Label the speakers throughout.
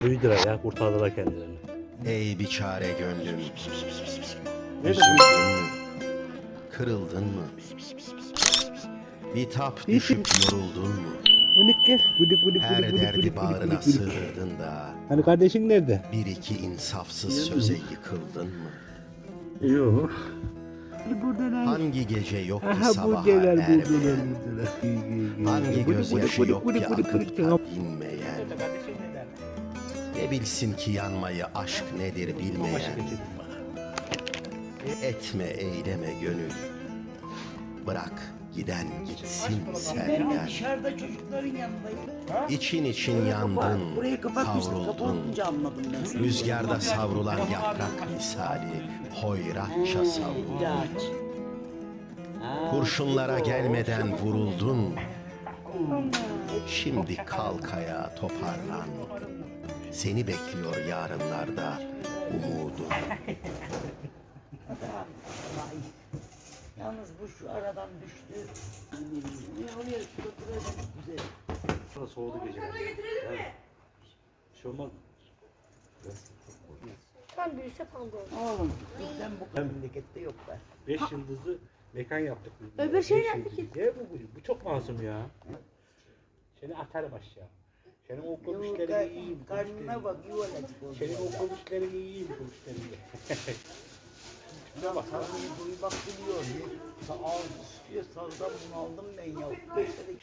Speaker 1: Büyüdüler ya, kurtardılar kendilerini.
Speaker 2: Ey biçare gönlüm,
Speaker 1: Ne
Speaker 2: üzüldün mü? Kırıldın mı? Bitap düşüp yoruldun mu?
Speaker 1: Bunik gel. Bunik
Speaker 2: Her derdi bağrına sığdırdın da
Speaker 1: Hani kardeşin nerede?
Speaker 2: bir iki insafsız söze yıkıldın mı?
Speaker 1: Yok. Buradalar.
Speaker 2: Hangi gece yok ki
Speaker 1: Aha
Speaker 2: sabaha
Speaker 1: buradalar,
Speaker 2: ermeyen?
Speaker 1: buradalar.
Speaker 2: Hangi gözyaşı yok ki akıp da
Speaker 1: Tamam.
Speaker 2: dinmeyen? Ne bilsin ki yanmayı aşk nedir bilmeyen? Etme eyleme gönül, bırak giden gitsin
Speaker 3: Ben
Speaker 2: serden.
Speaker 3: dışarıda çocukların yanındayım.
Speaker 2: İçin için yandın,
Speaker 3: Burayı kapatmıştım.
Speaker 2: kavruldun.
Speaker 3: Kapatınca anladım ben seni.
Speaker 2: Rüzgarda savrulan yaprak misali hoyratça savruldun.
Speaker 3: İlaç.
Speaker 2: Kurşunlara gelmeden vuruldun. Şimdi kalk ayağa toparlan. Seni bekliyor yarınlarda umudun.
Speaker 3: Yalnız bu şu aradan düştü. Ne oraya şurada duracak güzel.
Speaker 1: Sonra soğudu gece. Bir şey olmaz mı?
Speaker 4: Tam büyüse panda olur.
Speaker 3: Oğlum bizden bu memlekette yoklar.
Speaker 1: 5 yıldızlı mekan yaptık biz.
Speaker 4: Öbür şey
Speaker 1: Beş
Speaker 4: nerede
Speaker 1: yıldızlı. Ya bu çok masum ya. Seni atarım aşağı. Senin o kuruşları yiyeyim.
Speaker 3: Karnına bak yuvarlacık oldu.
Speaker 1: Senin o kuruşları yiyeyim, kuruşları yiyeyim.
Speaker 3: Ya bak karnıyı duymak biliyor. Ağız istiyor sazdan bunu aldım ben ya. Böyle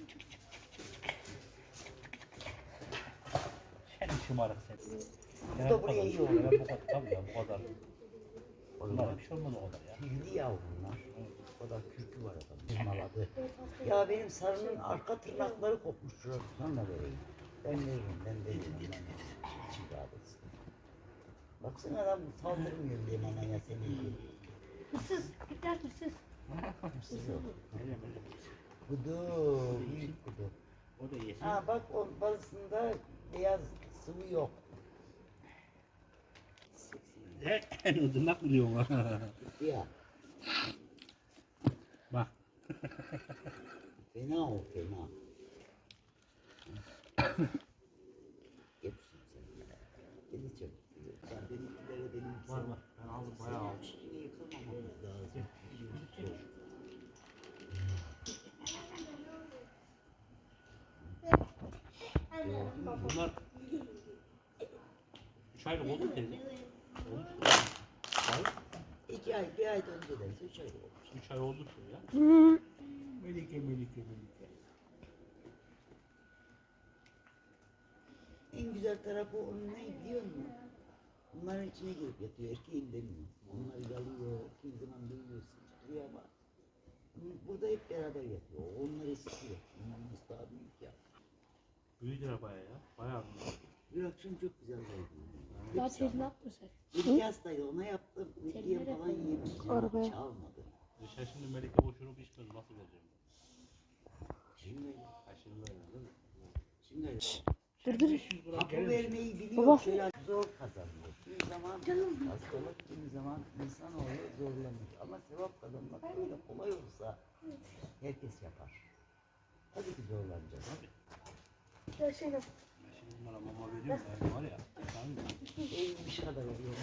Speaker 1: Sen şımarık sen.
Speaker 3: Bu da buraya iyi olur.
Speaker 1: Bu kadar, tabii ya, bu kadar. Bunlar bir şey olmaz o kadar ya.
Speaker 3: Kirli ya bunlar. O kadar kürkü var adamın. Maladı. Ya benim sarının arka tırnakları kopmuş. Şuradan da vereyim. Ben veririm. Çiğ kahvesi. Baksana adam saldırmıyor bile nanaya senin gibi.
Speaker 4: Hırsız. Dikkat hırsız.
Speaker 3: Hırsız o. Kudu. Büyük kudu.
Speaker 1: O da yesin.
Speaker 3: Ha bak o bazısında beyaz sıvı yok.
Speaker 1: Tırnak mı diyorsun?
Speaker 3: Ya
Speaker 1: Bak.
Speaker 3: fena o fena. Yapsın sen. Beni çok ben benimkilere benim
Speaker 1: Var var. Ben aldım bayağı aldım.
Speaker 3: Üstüne yıkamamamız lazım. Zor.
Speaker 1: Bunlar 3 aylık oldu mu teyze? Olmuş. Hayır.
Speaker 3: 2 ay, 1 aydan önceden 3 ay olmuş.
Speaker 1: 3 ay oldu şu ya. Melike.
Speaker 3: En güzel tarafı onun ne biliyor musun? Bunların içine girip yatıyor, erkeğin demiyor. Onları yalıyor, kimi zaman dövüyor, sıçrıyor ama burada hep beraber yatıyor. Onlar istiyor. Onlarımız daha büyük ya.
Speaker 1: Büyüdüler bayağı ya. Bayağı büyüdü.
Speaker 3: Bir akşam çok güzel oldu.
Speaker 4: Daha tezini atma sen.
Speaker 3: İlk hastaydı ona yaptım. Mekiye falan yemiş.
Speaker 4: Arabaya.
Speaker 3: Hiç almadı.
Speaker 1: Dışarı şimdi Melike o şurubu içmez. Nasıl vereceğim?
Speaker 3: Şimdi
Speaker 1: Şimdi böyle değil mi?
Speaker 3: şimdi
Speaker 4: Dur.
Speaker 3: hapı vermeyi biliyor.
Speaker 4: Baba.
Speaker 3: Şöyle zor kazanıyor. Kimi zaman hastalık, kimi zaman insanoğlu zorlanır. Ama sevap kazanmak böyle kolay olsa herkes yapar. Tabii ki zorlanacak.
Speaker 4: Gel şey yap.
Speaker 1: Ben şimdi bunlara mama veriyorum yani var ya. Tamam mı?
Speaker 3: Eğilmiş kadar oluyor.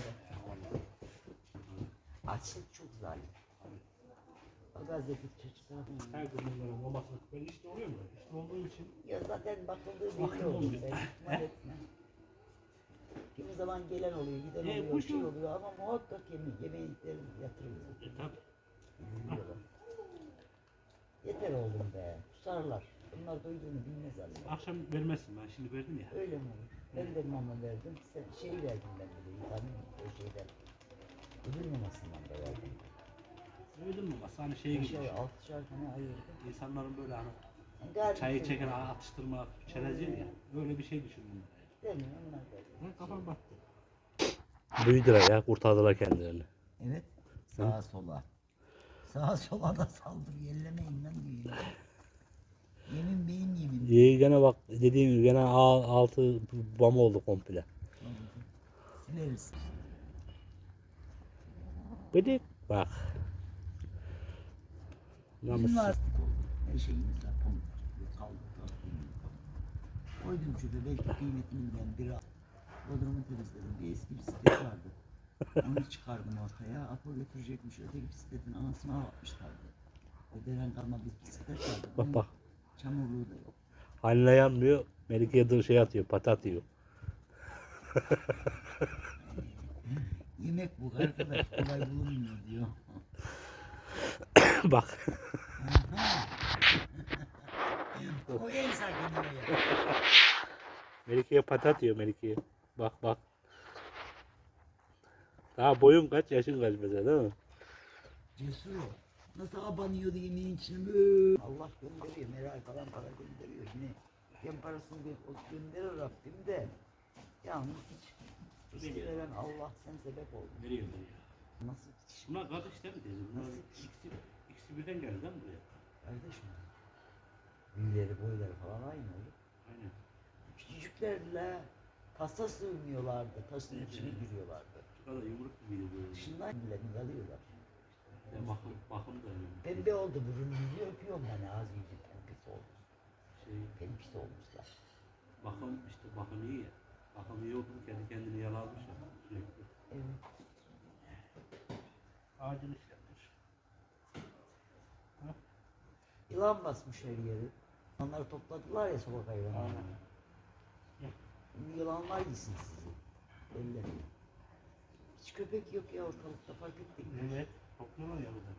Speaker 3: Açlık çok zalim. O gazeteci çocuklar.
Speaker 1: Her gün bunların mamasını ben işte oluyor mu? İşte olduğum için
Speaker 3: Ya zaten bakıldığı belli
Speaker 1: Bakım
Speaker 3: oluyor.
Speaker 1: olmuyor.
Speaker 3: Ben ihtimal etmem. Kimi zaman gelen oluyor, giden oluyor,
Speaker 1: bu
Speaker 3: bir şey
Speaker 1: şu-
Speaker 3: oluyor ama muhakkak yemeklerini yatırıyoruz.
Speaker 1: tabii.
Speaker 3: Biliyorlar. Yeter oğlum be, kusarlar. Bunlar duyduğunu bilmez Allah.
Speaker 1: Akşam vermezsin, ben şimdi verdim ya.
Speaker 3: Öyle mi olur? Ben de mama verdim, sen şey verdim ben de vitamin o şeyden. Ödül mamasından da verdim.
Speaker 1: Verdim mi? Hani şey gibi.
Speaker 3: 5'er, 6'şer tane ayırdım.
Speaker 1: İnsanların böyle hani
Speaker 3: Gayet
Speaker 1: çayı
Speaker 3: güzel.
Speaker 1: çeken atıştırma, çerez yer ya. Böyle bir şey düşündüm.
Speaker 3: Demiyor, onlar da.
Speaker 1: Kafam battı.
Speaker 5: Büyüdüler ya, kurtardılar kendilerini.
Speaker 3: Evet, sağa sola. Sağa sola da saldır, yerlemeyin lan diyor. Yemin beyin yemin.
Speaker 5: İyi gene bak dediğim gibi gene altı bam oldu komple.
Speaker 3: Sileriz.
Speaker 5: Bıdık bak.
Speaker 3: Bizim
Speaker 5: Namus.
Speaker 3: var. Her şeyimiz var. Pamuk gibi kaldı. Koydum çöpe belki kıymetini bilen biri. temizledim. Bir eski bisiklet vardı. Onu çıkardım ortaya. Apo götürecekmiş. Öteki bisikletin anasını ağlatmışlardı. Ödelen kalma bir bisiklet vardı.
Speaker 5: Bak
Speaker 3: Onun
Speaker 5: bak.
Speaker 3: çamurluğu da yok.
Speaker 5: Haline yanmıyor. Melike'ye de şey atıyor. Patat atıyor.
Speaker 3: Yemek bu arkadaş kolay bulunmuyor diyor.
Speaker 5: Bak.
Speaker 3: O en sakin ya.
Speaker 5: Melike'ye patat atıyor Melike'ye. Bak bak. Daha boyun kaç, yaşın kaç mesela değil mi?
Speaker 3: Cesur o. Nasıl abanıyordu yemeğin içine böyle. Allah gönderiyor, meral falan para gönderiyor. Yine yem parasını gönderir Rabbim de. Yalnız hiç rızkı veren Allah, sen sebep oldun.
Speaker 1: Veriyor veriyor.
Speaker 3: Nasıl hiç?
Speaker 1: Bunlar kardeş değil mi dedim? Bunlar ikisi birden geldi değil mi buraya?
Speaker 3: Kardeş mi? Büyüleri boyları falan aynı olur.
Speaker 1: Aynen.
Speaker 3: Küçücüklerle tasa sığmıyorlardı. Tasın içine giriyorlardı.
Speaker 1: Şu kadar yumruk gibiydi böyle.
Speaker 3: Dışından bile alıyorlar.
Speaker 1: Bakım da önemli.
Speaker 3: Pembe oldu burun yüzü öpüyorum ben az iyice pempesi oldu.
Speaker 1: Şey,
Speaker 3: Pempesi olmuşlar.
Speaker 1: bakım iyi ya. Bakım iyi oldu mu kendi kendini yalarmış ya sürekli.
Speaker 3: Evet.
Speaker 1: Ağacını işlenmiş.
Speaker 3: Yılan basmış her yeri. Onları topladılar ya sokak hayvanları. Şimdi yılanlar yesin sizi. Belli. Hiç köpek yok ya ortalıkta, fark ettik mi?
Speaker 1: Evet. Topluyorlar ya burada.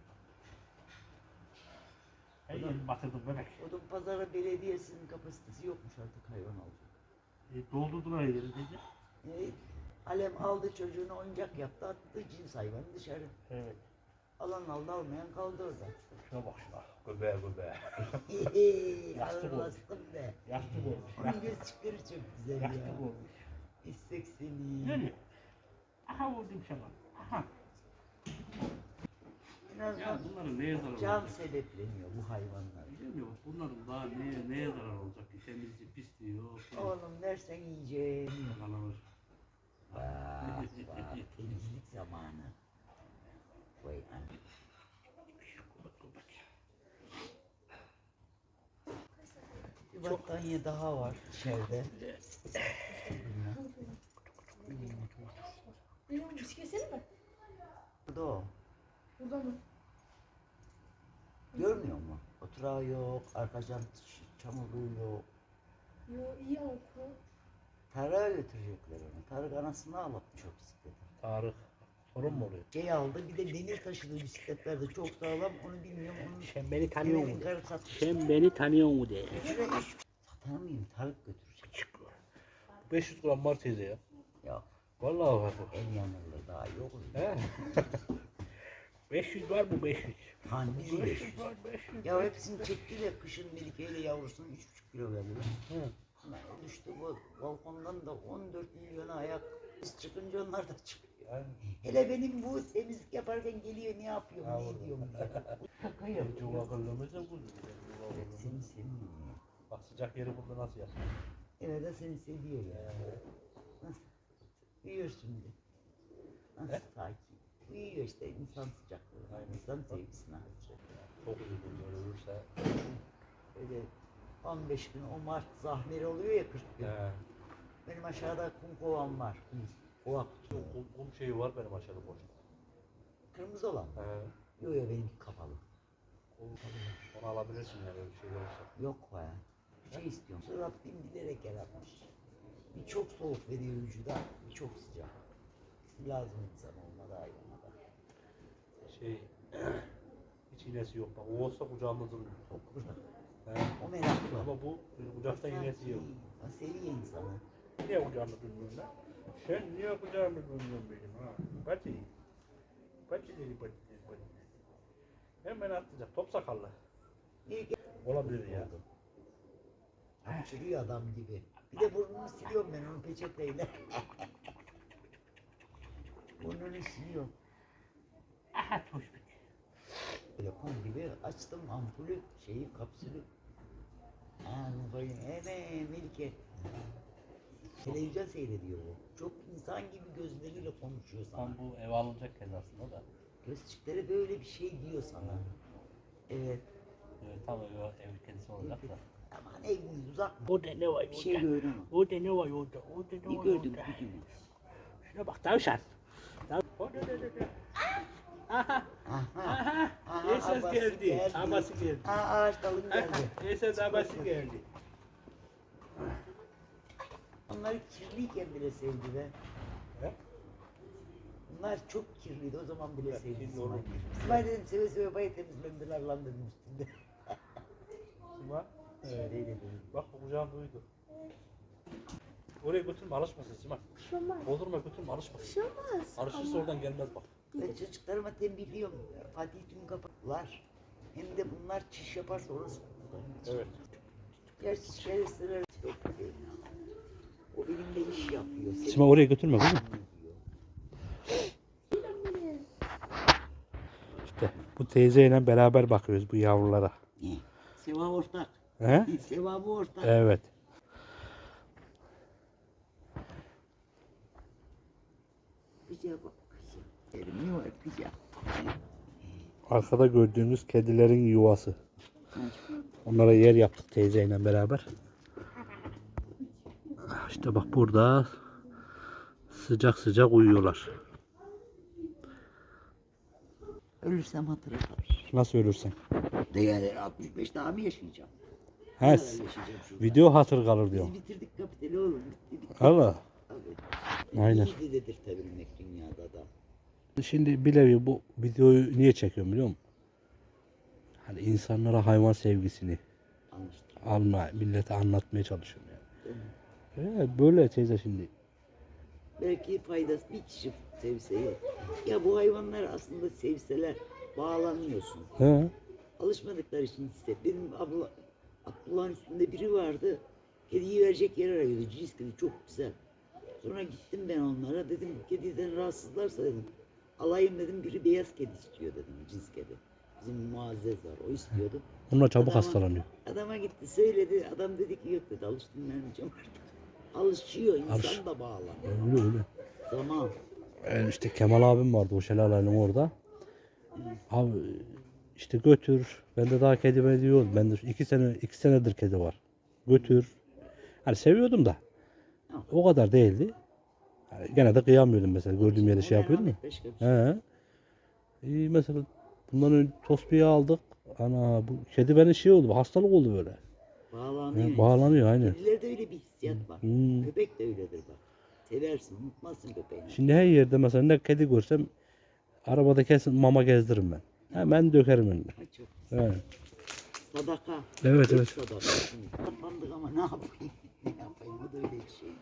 Speaker 1: Her yeri batırdım bebek.
Speaker 3: Odun pazarı belediyesinin kapasitesi yokmuş artık hayvan alacak.
Speaker 1: Doldurdular her yeri dedi.
Speaker 3: Alem aldı çocuğunu oyuncak yaptı, attı cins hayvanı dışarı.
Speaker 1: Evet.
Speaker 3: Alan aldı, almayan kaldı orada.
Speaker 1: Şuna bak şuna. Göbeğe göbeğe. Yastık olmuş.
Speaker 3: Ağırlaştım be.
Speaker 1: Yastık olmuş.
Speaker 3: Onun gözlükleri çok güzel ya.
Speaker 1: Yastık olmuş.
Speaker 3: İstek seni.
Speaker 1: Nereye? Aha vurdum şama. Aha.
Speaker 3: En
Speaker 1: Ya
Speaker 3: azından
Speaker 1: bunların neye zarar
Speaker 3: can
Speaker 1: olacak?
Speaker 3: sebepleniyor bu hayvanlar.
Speaker 1: Biliyor musun? Bunların daha neye zarar olacak ki? Temizliği, pisliği, o
Speaker 3: Oğlum versen yiyeceğim.
Speaker 1: Kalamış.
Speaker 3: Vah vah, temizlik zamanı. Vay anne. Bir battaniye daha var içeride.
Speaker 4: Benim bisikletsene mi?
Speaker 3: Burada o.
Speaker 4: Burada mı?
Speaker 3: Görmüyor musun? Oturağı yok, arka jant çamurluğu yok.
Speaker 4: Yo iyi oldu.
Speaker 3: Tarık'a götürecekler onu. Tarık anasını ağlatmış o bisikleti.
Speaker 1: Tarık. Sorun mu oluyor?
Speaker 3: Şey aldı, bir de demir taşıdığı bisikletler de çok sağlam, onu bilmiyorum. Onu
Speaker 5: Sen beni tanıyor
Speaker 3: Emel'in
Speaker 5: musun?
Speaker 3: karı satmış.
Speaker 5: Sen beni tanıyor musun diye.
Speaker 3: Şuraya iş satar mıyım? Tarık götürecek.
Speaker 1: 500 gram var teyze ya.
Speaker 3: Ya
Speaker 1: Vallahi var bu.
Speaker 3: el yanırlı daha yok.
Speaker 1: He? 500 var mı 500?
Speaker 3: Tanesi 500.
Speaker 1: var 500.
Speaker 3: Ya hepsini çekti de kışın Melike ile yavrusunu 3,5 kilo verdiler.
Speaker 1: Hı.
Speaker 3: Bunlar düştü bu balkondan da 14 milyona ayak. Biz çıkınca onlar da çıkıyor.
Speaker 1: Yani
Speaker 3: Hele benim bu temizlik yaparken geliyor ne yapıyor
Speaker 1: Ya
Speaker 3: ne
Speaker 1: oğlum.
Speaker 3: ediyorum diye. Şaka
Speaker 1: çok
Speaker 3: yapıyor.
Speaker 1: akıllımız da bu.
Speaker 3: Seni sevmiyor.
Speaker 1: Bak sıcak yeri burada nasıl yapıyor?
Speaker 3: Eve de seni seviyor ya. Nasıl? Uyuyor şimdi. Nasıl sakin. Uyuyor işte insan sıcaklığı.
Speaker 1: Aynen.
Speaker 3: İnsan sevgisine hasret.
Speaker 1: Çok üzüldüm böyle olursa.
Speaker 3: Öyle 15 gün o Mart zahmeri oluyor ya 40 gün.
Speaker 1: He.
Speaker 3: Benim aşağıda kum kovam var. Kova kutu.
Speaker 1: Kum şeyi var benim aşağıda boş.
Speaker 3: Kırmızı olan.
Speaker 1: He.
Speaker 3: Yok yok benimki kapalı.
Speaker 1: Onu alabilirsin yani öyle bir şey olursa.
Speaker 3: Yok baya. Bir şey istiyorum. Sonra Rabbim bilerek yaratmış. Bir çok soğuk veriyor vücuda, bir çok sıcak. Lazım insan olmadı hayvana da.
Speaker 1: Şey hiç iğnesi yok bak. O olsa kucağımda durur.
Speaker 3: Çok bırak.
Speaker 1: He.
Speaker 3: O meraklı.
Speaker 1: Ama bu kucakta iğnesi yok.
Speaker 3: O seviyor insanı.
Speaker 1: Niye kucağımda durmuyorsun lan? Sen niye kucağımda durmuyorsun benim ha? Bacı. Bacı dedi bacı dedi bacı. Hemen atlayacak. Top sakallı.
Speaker 3: Bir kere
Speaker 1: Olabilir ya.
Speaker 3: hapşırıyor adam gibi. Bir de burnunu siliyorum ben onu peçeteyle. Burnunu siliyorum.
Speaker 1: Aha toşbik.
Speaker 3: Böyle kum gibi açtım ampulü, kapsülü. Koyun, evet Melike. Televizyon seyrediyor o. Çok insan gibi gözleriyle konuşuyor sana.
Speaker 1: Tam bu eve alınacak kez aslında da.
Speaker 3: Gözçükleri böyle bir şey diyor sana. Evet.
Speaker 1: Evet, tam ev kendisi olacak da.
Speaker 3: Aman evimiz uzak mı?
Speaker 5: Orada ne var
Speaker 3: Bir şey gördün mü?
Speaker 5: Orada ne var orada? Orada
Speaker 3: Ne gördün kuzum?
Speaker 5: Şuna bak tavşan. Aha.
Speaker 3: Aha.
Speaker 5: Aha. Esas
Speaker 3: abası
Speaker 5: geldi. Abası geldi.
Speaker 3: Ağaç dalın geldi.
Speaker 5: Esas abası geldi.
Speaker 3: Onları kirliyken bile sevdi be.
Speaker 1: He?
Speaker 3: Bunlar çok kirliydi o zaman bile sevdi.
Speaker 1: kirli olur.
Speaker 3: İsmail dedim seve seve bayı temizlendiler lan dedim üstünde.
Speaker 1: Sima.
Speaker 3: Öyleydi dedim.
Speaker 1: Bak bu kucağım duydu. Oraya götürme alışmasın Sima.
Speaker 4: Bir şey olmaz.
Speaker 1: Doldurma götürme alışmasın.
Speaker 4: Bir şey olmaz.
Speaker 1: Alışırsa oradan gelmez bak.
Speaker 3: Ben çocuklarıma tembihliyorum. Fatih tüm kapatlar. Hem de bunlar çiş yaparsa orası buradan.
Speaker 1: Evet.
Speaker 3: Gerçi şerefsizler çok değil ya. O benimle iş yapıyor.
Speaker 5: Sima oraya götürme kızım. İşte bu teyzeyle beraber bakıyoruz bu yavrulara.
Speaker 3: Ne? Seva ortak.
Speaker 5: He?
Speaker 3: Sevabı ortak.
Speaker 5: Evet.
Speaker 3: Güzel bak. Güzel. Ne var güzel.
Speaker 5: Arkada gördüğünüz kedilerin yuvası. Onlara yer yaptık teyzeyle beraber. İşte bak burada sıcak sıcak uyuyorlar.
Speaker 3: Ölürsem hatıra kalır.
Speaker 5: Nasıl ölürsen.
Speaker 3: Değerleri 65 daha mı yaşayacağım?
Speaker 5: He,
Speaker 3: Ne kadar yaşayacağım şurada?
Speaker 5: video hatır kalır diyor.
Speaker 3: Biz bitirdik kapitali oğlum. Bitti bitti.
Speaker 5: Allah.
Speaker 3: Abi.
Speaker 5: Aynen.
Speaker 3: İyi de dedirtebilmek dünyada da.
Speaker 5: Şimdi bilevi bu videoyu niye çekiyorum biliyor musun? Hani insanlara hayvan sevgisini
Speaker 3: Anlaştık.
Speaker 5: alma, millete anlatmaya çalışıyorum
Speaker 3: Değil mi?
Speaker 5: yani. Böyle teyze şimdi.
Speaker 3: Belki faydası bir kişi sevse yok. Ya bu hayvanlar aslında sevseler bağlanıyorsun.
Speaker 5: He.
Speaker 3: Alışmadıkları için işte. Benim Abdullah'ın üstünde biri vardı. Kediyi verecek yer arıyordu. Cins kedi çok güzel. Sonra gittim ben onlara. Dedim kediden rahatsızlarsa dedim. Alayım dedim. Biri beyaz kedi istiyor dedim. Cins kedi. Bizim Muazzez var. O istiyordu.
Speaker 5: Bunlar çabuk
Speaker 3: Adama-
Speaker 5: hastalanıyor.
Speaker 3: Adama gitti söyledi. Adam dedi ki yok dedi. Alıştım vermeyeceğim artık. Alışıyor. İnsan da bağlanıyor.
Speaker 5: Öyle öyle.
Speaker 3: Zaman.
Speaker 5: İşte Kemal abim vardı o şelalenin orada. Abi işte götür. Ben de daha kedime diyorum. Ben de 2 senedir kedi var. Götür. Hani seviyordum da. O kadar değildi. Yani gene de kıyamıyordum mesela. Gördüğüm yerde şey yapıyordum ya.
Speaker 3: Başka bir şey.
Speaker 5: He. İyi mesela bundan önce tosbiye aldık. Ana bu kedi benim şey oldu. Hastalık oldu böyle.
Speaker 3: Bağlanıyor.
Speaker 5: He, bağlanıyor aynen.
Speaker 3: Kedilerde öyle bir hissiyat var.
Speaker 5: Hmm.
Speaker 3: Köpek de öyledir bak. Seversin, unutmazsın köpeğini.
Speaker 5: Şimdi her yerde mesela ne kedi görsem arabada kesin mama gezdiririm ben. Hemen dökerim önüne.
Speaker 3: Ha, çok
Speaker 5: Evet.
Speaker 3: sadaka.
Speaker 5: Evet,
Speaker 3: Çok
Speaker 5: evet.
Speaker 3: Sadaka. Şimdi kapandık ama ne yapayım? Ne yapayım? Bu da öyle bir şey.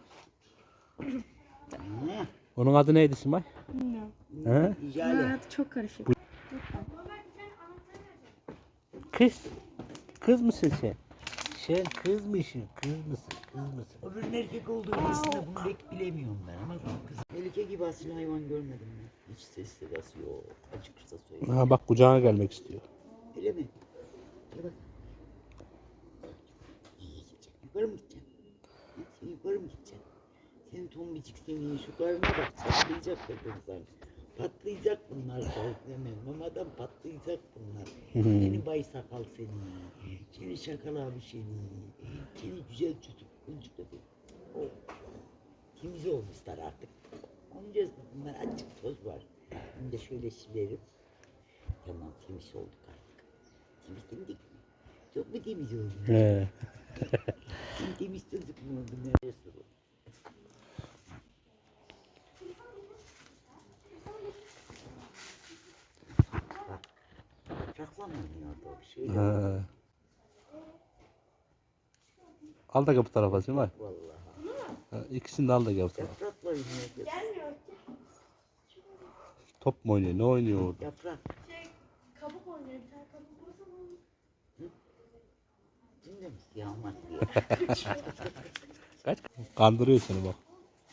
Speaker 3: Ne?
Speaker 5: Onun adı neydi Simay?
Speaker 4: Bilmiyorum.
Speaker 5: He?
Speaker 3: İcale.
Speaker 4: Hayatı çok karışık.
Speaker 5: Kız. Kız mısın sen? Sen kız mısın? Kız mısın? Kız mısın?
Speaker 3: Öbürünün erkek olduğu öylesine bunu pek bilemiyorum ben ama bu kız. Melike gibi asil hayvan görmedim ben. Hiç ses sedası yok. Açıkça söyleyeyim.
Speaker 5: Ha bak kucağına gelmek istiyor.
Speaker 3: Öyle mi? Hadi bak. Yukarı mı gideceksin? Sen yukarı mı gideceksin? Senin tombicik seni şu karnına bak patlayacak dedim sana. Patlayacak bunlar demem. Mamadan patlayacak bunlar. Seni bay sakal seni. Seni şakal abi seni. Seni güzel çocuk. Kuncuk dedi. O. Temiz olmuşlar artık. Onca bunlar azıcık toz var. Bunu da şöyle silerim. Tamam temiz olduk artık. Temizlendik mi? Çok mu temiz oldun?
Speaker 5: He.
Speaker 3: Sen temiz çocuk mu oldun? Nereye sorun? Saklanmıyordu bir şey.
Speaker 5: Ha. Al da gel bu tarafa Simay.
Speaker 3: Vallahi.
Speaker 5: Ha, İkisini de al da gel bu tarafa.
Speaker 3: Yaprakla oynuyor.
Speaker 4: Gelmiyor.
Speaker 5: Top mu oynuyor? Ne oynuyor orada?
Speaker 3: Yaprak.
Speaker 4: Kabuk oynuyor. Bir tane kabuk olsa ne olur?
Speaker 3: Şimdi mi? Yağmaz diye.
Speaker 5: Kaç? Kandırıyor seni bak.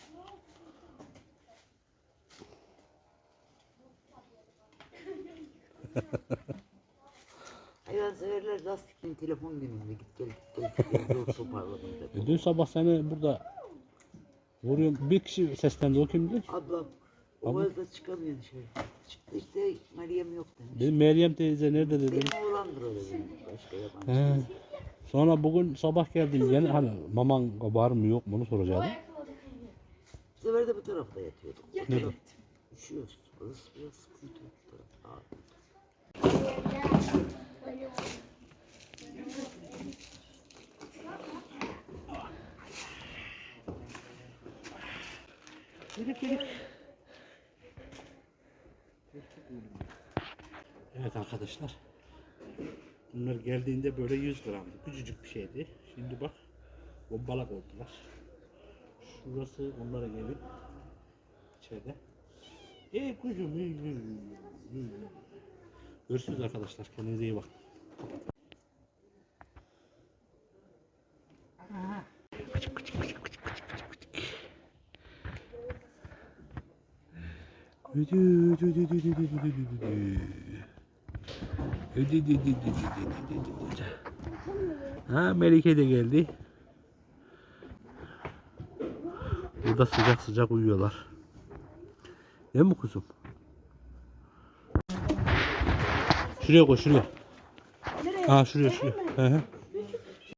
Speaker 3: Hayvanseverler lastikli telefon gününde git gel zor toparladım dedi.
Speaker 5: Dün sabah seni burada vuruyorum. Bir kişi seslendi. O kimdi?
Speaker 3: Ablam o vazda çıkamıyor dışarı. Çıktı işte Meryem yok demiş.
Speaker 5: Dedim Meryem teyze nerede dedim.
Speaker 3: Benim oğlandır o dedim. Başka yabancı.
Speaker 5: He. Sonra bugün sabah geldim. Yine hani maman var mı yok mu onu soracaktım.
Speaker 3: Bu sefer de bu tarafta yatıyorduk.
Speaker 5: Ne?
Speaker 3: Üşüyoruz. Burası biraz sıkıntı. Bu taraf.
Speaker 5: Evet arkadaşlar. Bunlar geldiğinde böyle 100 gramdı. Küçücük bir şeydi. Şimdi bak bombalak oldular. Şurası onlara gelin. İçeride. Kuzum. Görüşürüz arkadaşlar. Kendinize iyi bakın. Ha, Melike de geldi. Burada sıcak sıcak uyuyorlar. Değil mi kuzum? Şuraya koy şuraya. Ha şuraya. Hı hı.